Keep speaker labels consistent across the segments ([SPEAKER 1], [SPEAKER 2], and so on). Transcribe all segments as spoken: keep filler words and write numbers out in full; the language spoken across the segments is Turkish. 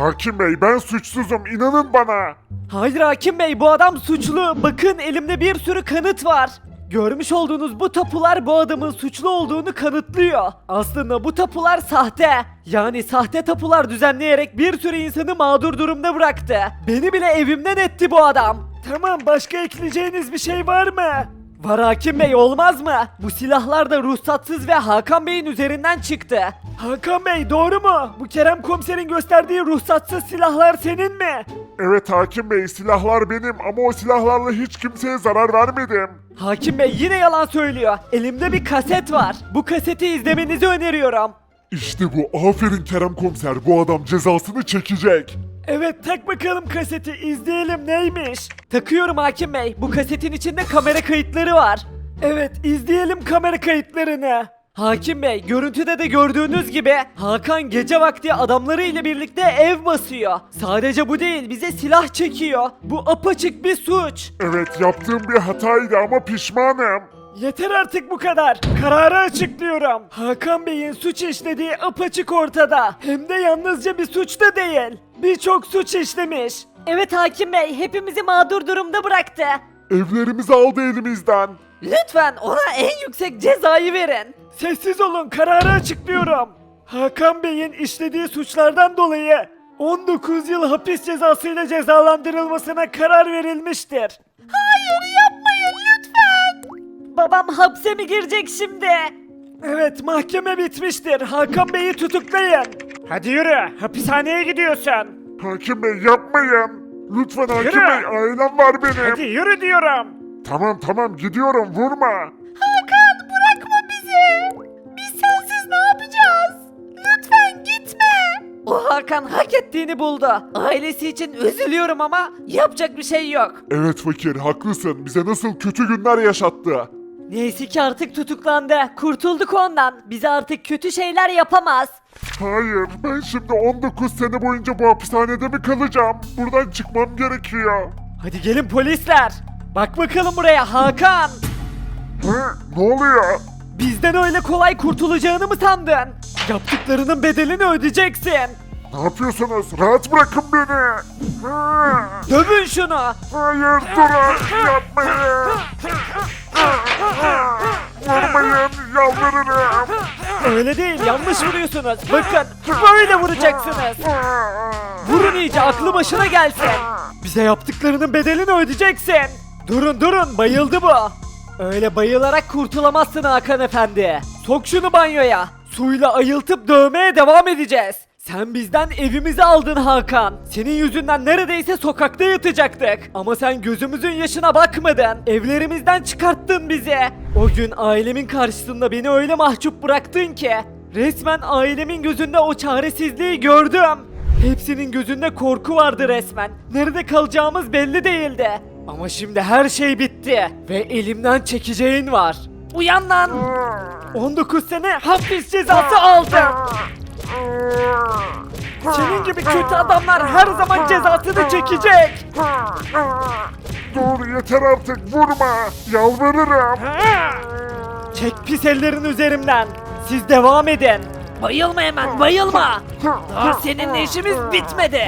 [SPEAKER 1] Hakim bey ben suçsuzum inanın bana.
[SPEAKER 2] Hayır hakim bey, bu adam suçlu. Bakın elimde bir sürü kanıt var. Görmüş olduğunuz bu tapular bu adamın suçlu olduğunu kanıtlıyor. Aslında bu tapular sahte. Yani sahte tapular düzenleyerek bir sürü insanı mağdur durumda bıraktı. Beni bile evimden etti bu adam. Tamam, başka ekleyeceğiniz bir şey var mı? Var hakim bey, olmaz mı? Bu silahlar da ruhsatsız ve Hakan Bey'in üzerinden çıktı. Hakan Bey, doğru mu? Bu Kerem komiserin gösterdiği ruhsatsız silahlar senin mi?
[SPEAKER 1] Evet hakim bey silahlar benim ama o silahlarla hiç kimseye zarar vermedim.
[SPEAKER 2] Hakim Bey yine yalan söylüyor. Elimde bir kaset var. Bu kaseti izlemenizi öneriyorum.
[SPEAKER 1] İşte bu aferin Kerem komiser bu adam cezasını çekecek.
[SPEAKER 2] Evet, tak bakalım kaseti, izleyelim neymiş. Takıyorum hakim bey. Bu kasetin içinde kamera kayıtları var. Evet, izleyelim kamera kayıtlarını. Hakim bey, görüntüde de gördüğünüz gibi Hakan gece vakti adamları ile birlikte ev basıyor. Sadece bu değil, bize silah çekiyor. Bu apaçık bir suç.
[SPEAKER 1] Evet yaptığım bir hataydı ama pişmanım.
[SPEAKER 2] Yeter artık bu kadar. Kararı açıklıyorum. Hakan Bey'in suç işlediği apaçık ortada. Hem de yalnızca bir suç da değil. Birçok suç işlemiş. Evet hakim bey, hepimizi mağdur durumda bıraktı.
[SPEAKER 1] Evlerimizi aldı elimizden.
[SPEAKER 2] Lütfen ona en yüksek cezayı verin. Sessiz olun, kararı açıklıyorum. Hakan Bey'in işlediği suçlardan dolayı on dokuz yıl hapis cezasıyla cezalandırılmasına karar verilmiştir. Hayır, yapmayın lütfen. Babam hapse mi girecek şimdi? Evet, mahkeme bitmiştir. Hakan Bey'i tutuklayın. Hadi yürü, hapishaneye gidiyorsun.
[SPEAKER 1] Hakim bey yapmayın. Lütfen hakim
[SPEAKER 2] Yürü.
[SPEAKER 1] bey ailem var benim.
[SPEAKER 2] Hadi yürü diyorum.
[SPEAKER 1] Tamam tamam gidiyorum vurma.
[SPEAKER 2] Hakan, bırakma bizi. Biz sensiz ne yapacağız? Lütfen gitme. O Hakan hak ettiğini buldu. Ailesi için üzülüyorum ama yapacak bir şey yok.
[SPEAKER 1] Evet fakir haklısın bize nasıl kötü günler yaşattı.
[SPEAKER 2] Neyse ki artık tutuklandı. Kurtulduk ondan. Bize artık kötü şeyler yapamaz.
[SPEAKER 1] Hayır ben şimdi on dokuz sene boyunca bu hapishanede mi kalacağım? Buradan çıkmam gerekiyor.
[SPEAKER 2] Hadi gelin polisler. Bak bakalım buraya Hakan.
[SPEAKER 1] Hı, ne oluyor?
[SPEAKER 2] Bizden öyle kolay kurtulacağını mı sandın? Yaptıklarının bedelini ödeyeceksin.
[SPEAKER 1] Ne yapıyorsunuz? Rahat bırakın beni. Hı,
[SPEAKER 2] Dövün şunu.
[SPEAKER 1] hayır durun yapmayın. Vurmayın yalvarırım.
[SPEAKER 2] Öyle değil, yanlış vuruyorsunuz. Bakın, böyle vuracaksınız. Vurun iyice, aklı başına gelsin. Bize yaptıklarının bedelini ödeyeceksin. Durun durun, bayıldı bu. Öyle bayılarak kurtulamazsın Hakan efendi. Sok şunu banyoya. Suyla ayıltıp dövmeye devam edeceğiz. Sen bizden evimizi aldın Hakan. Senin yüzünden neredeyse sokakta yatacaktık. Ama sen gözümüzün yaşına bakmadın. Evlerimizden çıkarttın bizi. O gün ailemin karşısında beni öyle mahcup bıraktın ki. Resmen ailemin gözünde o çaresizliği gördüm. Hepsinin gözünde korku vardı resmen. Nerede kalacağımız belli değildi. Ama şimdi her şey bitti. Ve elimden çekeceğin var. Uyan lan! on dokuz sene hapis cezası aldın. Senin gibi kötü adamlar her zaman cezasını çekecek.
[SPEAKER 1] Dur yeter artık vurma. Yalvarırım.
[SPEAKER 2] Çek pis ellerin üzerimden. Siz devam edin. Bayılma hemen, bayılma. Daha seninle işimiz bitmedi.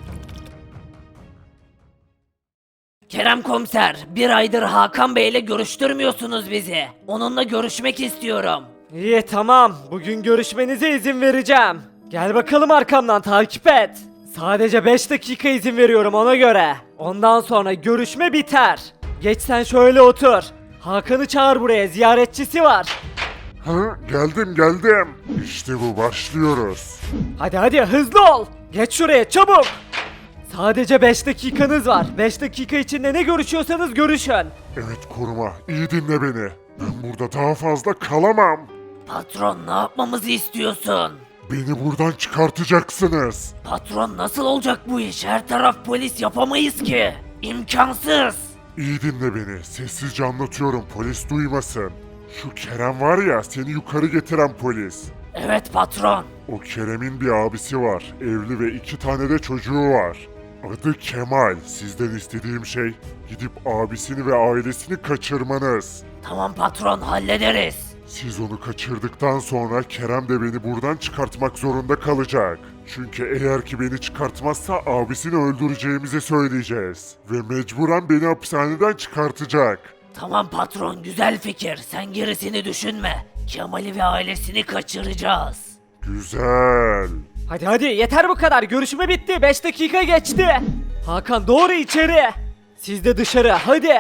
[SPEAKER 3] Kerem komiser, bir aydır Hakan Bey'le görüştürmüyorsunuz bizi. Onunla görüşmek istiyorum.
[SPEAKER 2] İyi tamam. Bugün görüşmenize izin vereceğim. Gel bakalım arkamdan takip et. Sadece beş dakika izin veriyorum ona göre. Ondan sonra görüşme biter. Geç sen şöyle otur. Hakan'ı çağır buraya, ziyaretçisi var.
[SPEAKER 1] Ha, geldim geldim. İşte bu başlıyoruz.
[SPEAKER 2] Hadi hadi hızlı ol. Geç şuraya çabuk. Sadece beş dakikanız var. beş dakika içinde ne görüşüyorsanız görüşün.
[SPEAKER 1] Evet koruma iyi dinle beni. Ben burada daha fazla kalamam.
[SPEAKER 3] Patron, ne yapmamızı istiyorsun?
[SPEAKER 1] Beni buradan çıkartacaksınız.
[SPEAKER 3] Patron, nasıl olacak bu iş? Her taraf polis, yapamayız ki. İmkansız.
[SPEAKER 1] İyi dinle beni. Sessizce anlatıyorum polis duymasın. Şu Kerem var ya seni yukarı getiren polis.
[SPEAKER 3] Evet patron.
[SPEAKER 1] O Kerem'in bir abisi var. Evli ve iki tane de çocuğu var. Adı Kemal. Sizden istediğim şey gidip abisini ve ailesini kaçırmanız.
[SPEAKER 3] Tamam patron, hallederiz.
[SPEAKER 1] Siz onu kaçırdıktan sonra Kerem de beni buradan çıkartmak zorunda kalacak. Çünkü eğer ki beni çıkartmazsa abisini öldüreceğimizi söyleyeceğiz. Ve mecburen beni hapishaneden çıkartacak.
[SPEAKER 3] Tamam patron, güzel fikir. Sen gerisini düşünme. Kemal'i ve ailesini kaçıracağız.
[SPEAKER 1] Güzel.
[SPEAKER 2] Hadi hadi yeter bu kadar. Görüşme bitti. beş dakika geçti. Hakan doğru içeri. Siz de dışarı hadi.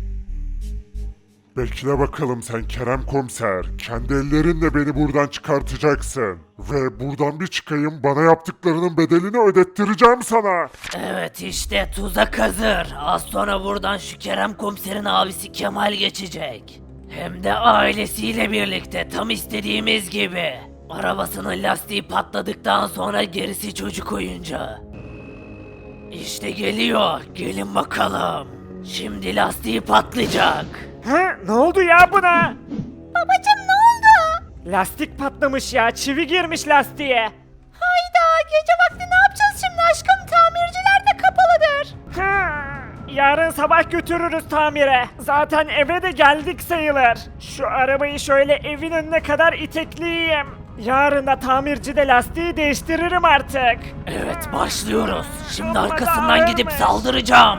[SPEAKER 1] Bekle bakalım sen Kerem Komiser. Kendi ellerinle beni buradan çıkartacaksın. Ve buradan bir çıkayım, bana yaptıklarının bedelini ödettireceğim sana.
[SPEAKER 3] Evet, işte tuzak hazır. Az sonra buradan şu Kerem Komiser'in abisi Kemal geçecek. Hem de ailesiyle birlikte, tam istediğimiz gibi. Arabasının lastiği patladıktan sonra gerisi çocuk oyuncağı. İşte geliyor. Gelin bakalım. Şimdi lastiği patlayacak.
[SPEAKER 2] Hı, ne oldu ya buna? Babacım ne oldu? Lastik patlamış ya. Çivi girmiş lastiğe. Hayda, gece vakti ne yapacağız şimdi aşkım? Tamirciler de kapalıdır. Yarın sabah götürürüz tamire. Zaten eve de geldik sayılır. Şu arabayı şöyle evin önüne kadar itekleyeyim. Yarın da tamircide lastiği değiştiririm artık.
[SPEAKER 3] Evet, başlıyoruz. Şimdi arkasından gidip saldıracağım.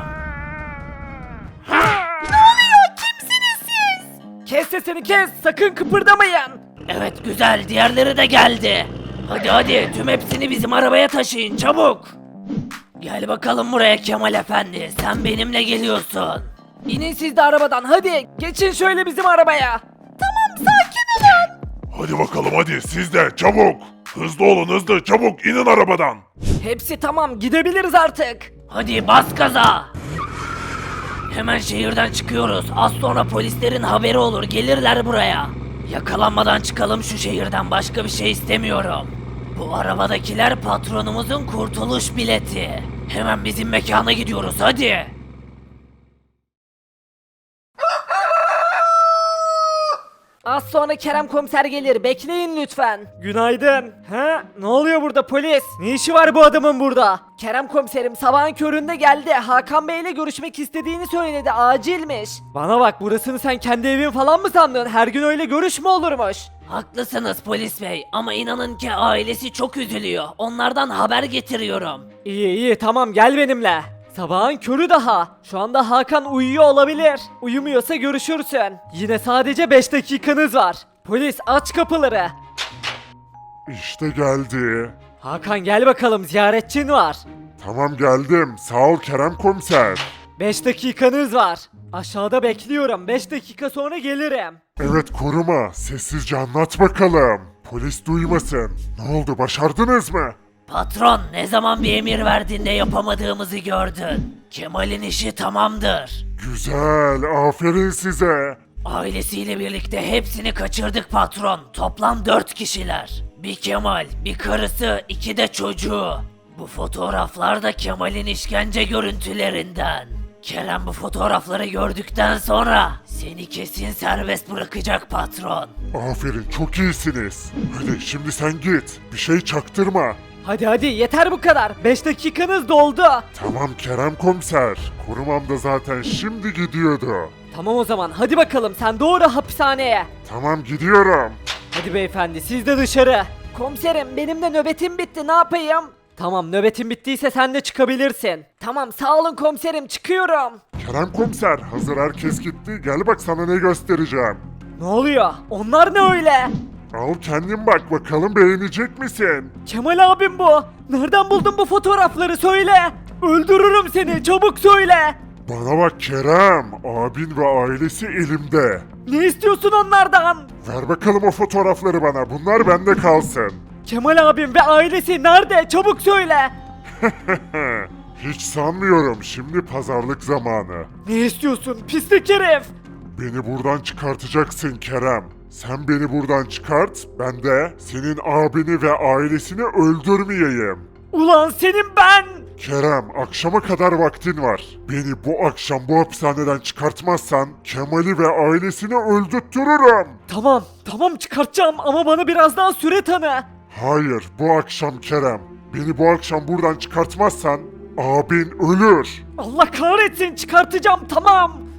[SPEAKER 2] Kes sesini kes. Sakın kıpırdamayın.
[SPEAKER 3] Evet, güzel, diğerleri de geldi. Hadi hadi, tüm hepsini bizim arabaya taşıyın çabuk. Gel bakalım buraya Kemal Efendi, sen benimle geliyorsun.
[SPEAKER 2] İnin siz de arabadan hadi. Geçin şöyle bizim arabaya. Tamam sakin olun.
[SPEAKER 1] Hadi bakalım hadi siz de çabuk. Hızlı olun hızlı çabuk inin arabadan.
[SPEAKER 2] Hepsi tamam, gidebiliriz artık.
[SPEAKER 3] Hadi bas gaza. Hemen şehirden çıkıyoruz. Az sonra polislerin haberi olur, gelirler buraya. Yakalanmadan çıkalım şu şehirden, başka bir şey istemiyorum. Bu arabadakiler patronumuzun kurtuluş bileti. Hemen bizim mekana gidiyoruz hadi.
[SPEAKER 2] Az sonra Kerem komiser gelir, bekleyin lütfen. Günaydın. Ha? Ne oluyor burada polis? Ne işi var bu adamın burada? Kerem komiserim sabahın köründe geldi. Hakan Bey ile görüşmek istediğini söyledi. Acilmiş. Bana bak, burasını sen kendi evin falan mı sandın? Her gün öyle görüş mü olurmuş?
[SPEAKER 3] Haklısınız polis bey ama inanın ki ailesi çok üzülüyor. Onlardan haber getiriyorum.
[SPEAKER 2] İyi iyi tamam, gel benimle. Sabahın körü daha. Şu anda Hakan uyuyor olabilir. Uyumuyorsa görüşürsün. Yine sadece beş dakikanız var. Polis aç kapıları.
[SPEAKER 1] İşte geldi.
[SPEAKER 2] Hakan gel bakalım, ziyaretçin var.
[SPEAKER 1] Tamam geldim. Sağ ol Kerem Komiser.
[SPEAKER 2] beş dakikanız var. Aşağıda bekliyorum. beş dakika sonra gelirim.
[SPEAKER 1] Evet koruma. Sessizce anlat bakalım. Polis duymasın. Ne oldu başardınız mı?
[SPEAKER 3] Patron, ne zaman bir emir verdiğinde yapamadığımızı gördün. Kemal'in işi tamamdır.
[SPEAKER 1] Güzel. Aferin size.
[SPEAKER 3] Ailesiyle birlikte hepsini kaçırdık patron. Toplam dört kişiler. Bir Kemal, bir karısı, iki de çocuğu. Bu fotoğraflar da Kemal'in işkence görüntülerinden. Kerem bu fotoğrafları gördükten sonra seni kesin serbest bırakacak patron.
[SPEAKER 1] Aferin çok iyisiniz. Hadi şimdi sen git. Bir şey çaktırma.
[SPEAKER 2] Hadi hadi yeter bu kadar. beş dakikanız doldu.
[SPEAKER 1] Tamam Kerem Komiser. Korumam da zaten şimdi gidiyordu.
[SPEAKER 2] Tamam o zaman hadi bakalım, sen doğru hapishaneye.
[SPEAKER 1] Tamam gidiyorum.
[SPEAKER 2] Hadi beyefendi siz de dışarı. Komiserim benim de nöbetim bitti, ne yapayım? Tamam, nöbetin bittiyse sen de çıkabilirsin. Tamam sağ olun komiserim, çıkıyorum.
[SPEAKER 1] Kerem Komiser hazır herkes gitti. Gel bak sana ne göstereceğim.
[SPEAKER 2] Ne oluyor? Onlar ne öyle?
[SPEAKER 1] Al kendin bak bakalım beğenecek misin?
[SPEAKER 2] Kemal abim bu. Nereden buldun bu fotoğrafları, söyle. Öldürürüm seni, çabuk söyle.
[SPEAKER 1] Bana bak Kerem. Abin ve ailesi elimde.
[SPEAKER 2] Ne istiyorsun onlardan?
[SPEAKER 1] Ver bakalım o fotoğrafları bana. Bunlar bende kalsın.
[SPEAKER 2] Kemal abim ve ailesi nerede? Çabuk söyle.
[SPEAKER 1] Hiç sanmıyorum. Şimdi pazarlık zamanı.
[SPEAKER 2] Ne istiyorsun pislik herif?
[SPEAKER 1] Beni buradan çıkartacaksın Kerem. Sen beni buradan çıkart, ben de senin abini ve ailesini öldürmeyeyim.
[SPEAKER 2] Ulan senin ben.
[SPEAKER 1] Kerem, akşama kadar vaktin var. Beni bu akşam bu hapishaneden çıkartmazsan Kemal'i ve ailesini öldürtürürüm.
[SPEAKER 2] Tamam tamam çıkartacağım ama bana biraz daha süre tanı.
[SPEAKER 1] Hayır, bu akşam Kerem. Beni bu akşam buradan çıkartmazsan abin ölür.
[SPEAKER 2] Allah kahretsin, çıkartacağım tamam.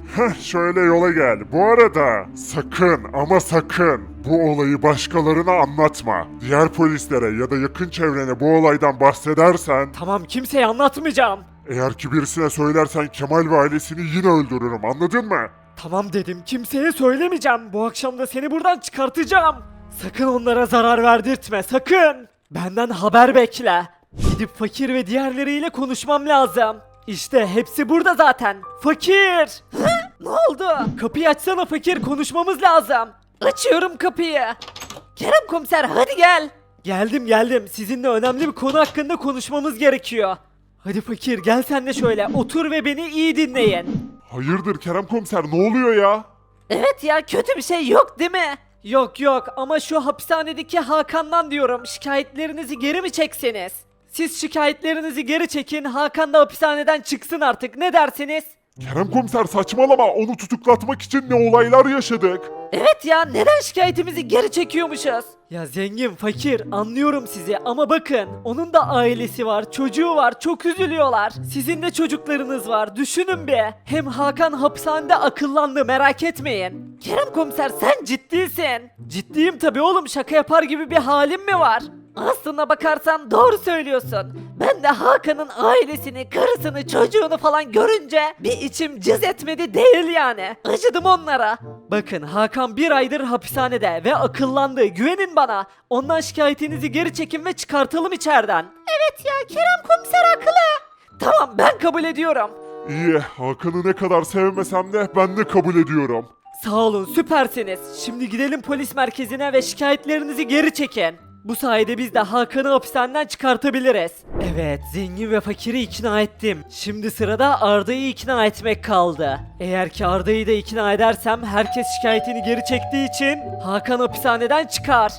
[SPEAKER 1] Heh, şöyle yola gel. Bu arada sakın ama sakın bu olayı başkalarına anlatma. Diğer polislere ya da yakın çevrene bu olaydan bahsedersen,
[SPEAKER 2] Tamam, kimseye anlatmayacağım.
[SPEAKER 1] eğer ki birisine söylersen Kemal ve ailesini yine öldürürüm, anladın mı?
[SPEAKER 2] Tamam dedim, kimseye söylemeyeceğim. Bu akşam da seni buradan çıkartacağım. Sakın onlara zarar verdirtme, sakın. Benden haber bekle. Gidip fakir ve diğerleriyle konuşmam lazım. İşte hepsi burada zaten. Fakir! Ne oldu? Kapıyı açsana fakir, konuşmamız lazım. Açıyorum kapıyı. Kerem komiser, hadi gel. Geldim geldim. Sizinle önemli bir konu hakkında konuşmamız gerekiyor. Hadi fakir, gel sen de şöyle otur ve beni iyi dinleyin.
[SPEAKER 1] Hayırdır Kerem komiser, ne oluyor ya?
[SPEAKER 2] Evet ya, kötü bir şey yok değil mi? Yok yok, ama şu hapishanedeki Hakan'dan diyorum, şikayetlerinizi geri mi çekseniz? Siz şikayetlerinizi geri çekin, Hakan da hapishaneden çıksın artık, ne dersiniz?
[SPEAKER 1] Kerem komiser saçmalama, onu tutuklatmak için ne olaylar yaşadık.
[SPEAKER 2] Evet ya, neden şikayetimizi geri çekiyormuşuz? Ya zengin, fakir, anlıyorum sizi ama bakın, onun da ailesi var, çocuğu var, çok üzülüyorlar. Sizin de çocuklarınız var, düşünün bir. Hem Hakan hapishanede akıllandı, merak etmeyin. Kerem komiser, sen ciddisin. Ciddiyim tabii oğlum, şaka yapar gibi bir halim mi var? Aslına bakarsan doğru söylüyorsun. Ben de Hakan'ın ailesini, karısını, çocuğunu falan görünce bir içim cız etmedi değil yani. Acıdım onlara. Bakın, Hakan bir aydır hapishanede ve akıllandı. Güvenin bana. Ondan şikayetinizi geri çekin ve çıkartalım içeriden. Evet ya, Kerem komiser haklı. Tamam, ben kabul ediyorum.
[SPEAKER 1] İyi, Hakan'ı ne kadar sevmesem de ben de kabul ediyorum.
[SPEAKER 2] Sağ olun, süpersiniz. Şimdi gidelim polis merkezine ve şikayetlerinizi geri çekin. Bu sayede biz de Hakan'ı hapishaneden çıkartabiliriz. Evet, zengin ve fakiri ikna ettim. Şimdi sırada Arda'yı ikna etmek kaldı. Eğer ki Arda'yı da ikna edersem herkes şikayetini geri çektiği için Hakan hapishaneden çıkar.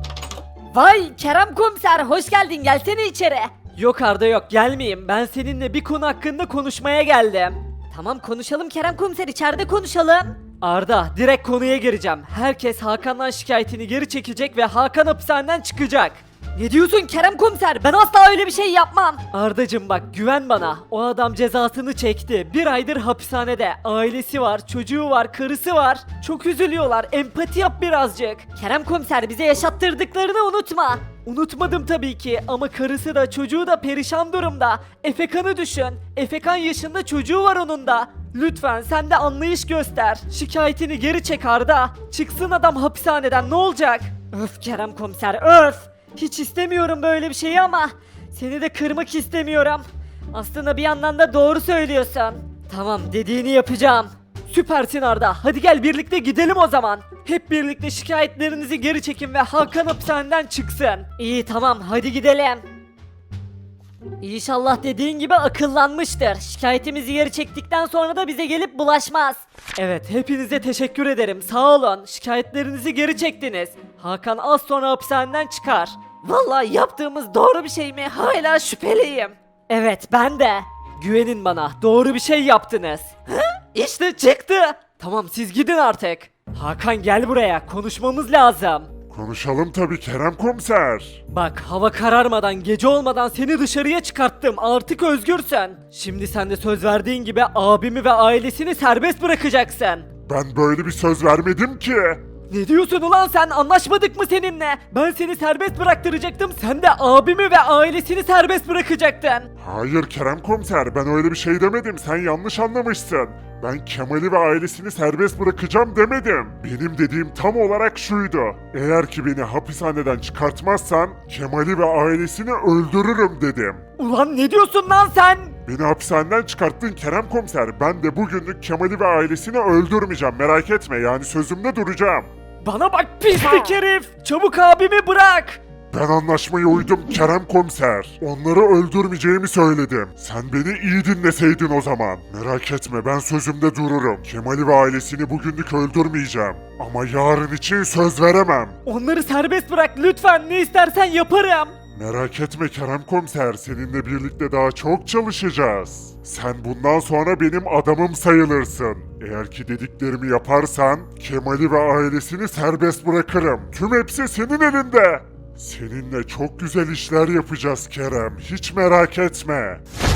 [SPEAKER 2] Vay Kerem komiser, hoş geldin, gelsene içeri. Yok Arda yok, gelmeyeyim. Ben seninle bir konu hakkında konuşmaya geldim. Tamam, konuşalım Kerem komiser, içeride konuşalım. Arda, direkt konuya gireceğim. Herkes Hakan'dan şikayetini geri çekecek ve Hakan hapishaneden çıkacak. Ne diyorsun Kerem komiser? Ben asla öyle bir şey yapmam. Ardacım bak, güven bana. O adam cezasını çekti. Bir aydır hapishanede. Ailesi var, çocuğu var, karısı var. Çok üzülüyorlar. Empati yap birazcık. Kerem komiser, bize yaşattırdıklarını unutma. Unutmadım tabii ki ama karısı da çocuğu da perişan durumda. Efekan'ı düşün. Efekan yaşında çocuğu var onun da. Lütfen sen de anlayış göster. Şikayetini geri çek Arda. Çıksın adam hapishaneden, ne olacak? Öf Kerem komiser, öf. Hiç istemiyorum böyle bir şeyi ama seni de kırmak istemiyorum. Aslında bir yandan da doğru söylüyorsun. Tamam, dediğini yapacağım. Süpersin Arda. Hadi gel birlikte gidelim o zaman. Hep birlikte şikayetlerinizi geri çekin ve Hakan hapishaneden çıksın. İyi tamam, hadi gidelim. İnşallah dediğin gibi akıllanmıştır. Şikayetimizi geri çektikten sonra da bize gelip bulaşmaz. Evet, hepinize teşekkür ederim. Sağ olun. Şikayetlerinizi geri çektiniz. Hakan az sonra hapishaneden çıkar. Vallahi yaptığımız doğru bir şey mi? Hala şüpheliyim. Evet, ben de. Güvenin bana. Doğru bir şey yaptınız. Hı? İşte çıktı. Tamam, siz gidin artık. Hakan gel buraya. Konuşmamız lazım.
[SPEAKER 1] Konuşalım tabii Kerem komiser.
[SPEAKER 2] Bak, hava kararmadan, gece olmadan seni dışarıya çıkarttım. Artık özgürsün. Şimdi sen de söz verdiğin gibi abimi ve ailesini serbest bırakacaksın.
[SPEAKER 1] Ben böyle bir söz vermedim ki.
[SPEAKER 2] Ne diyorsun ulan sen? Anlaşmadık mı seninle? Ben seni serbest bıraktıracaktım. Sen de abimi ve ailesini serbest bırakacaktın.
[SPEAKER 1] Hayır Kerem komiser, ben öyle bir şey demedim, sen yanlış anlamışsın. Ben Kemal'i ve ailesini serbest bırakacağım demedim. Benim dediğim tam olarak şuydu. Eğer ki beni hapishaneden çıkartmazsan Kemal'i ve ailesini öldürürüm dedim.
[SPEAKER 2] Ulan ne diyorsun lan sen?
[SPEAKER 1] Beni hapishaneden çıkarttın Kerem komiser. Ben de bugünlük Kemal'i ve ailesini öldürmeyeceğim, merak etme, yani sözümde duracağım.
[SPEAKER 2] Bana bak pislik herif. Çabuk abimi bırak.
[SPEAKER 1] Ben anlaşmaya uydum Kerem komiser. Onları öldürmeyeceğimi söyledim. Sen beni iyi dinleseydin o zaman. Merak etme, ben sözümde dururum. Kemal'i ve ailesini bugünlük öldürmeyeceğim. Ama yarın için söz veremem.
[SPEAKER 2] Onları serbest bırak lütfen. Ne istersen yaparım.
[SPEAKER 1] Merak etme Kerem komiser, seninle birlikte daha çok çalışacağız. Sen bundan sonra benim adamım sayılırsın. Eğer ki dediklerimi yaparsan Kemal'i ve ailesini serbest bırakırım. Tüm hepsi senin elinde. Seninle çok güzel işler yapacağız Kerem, hiç merak etme.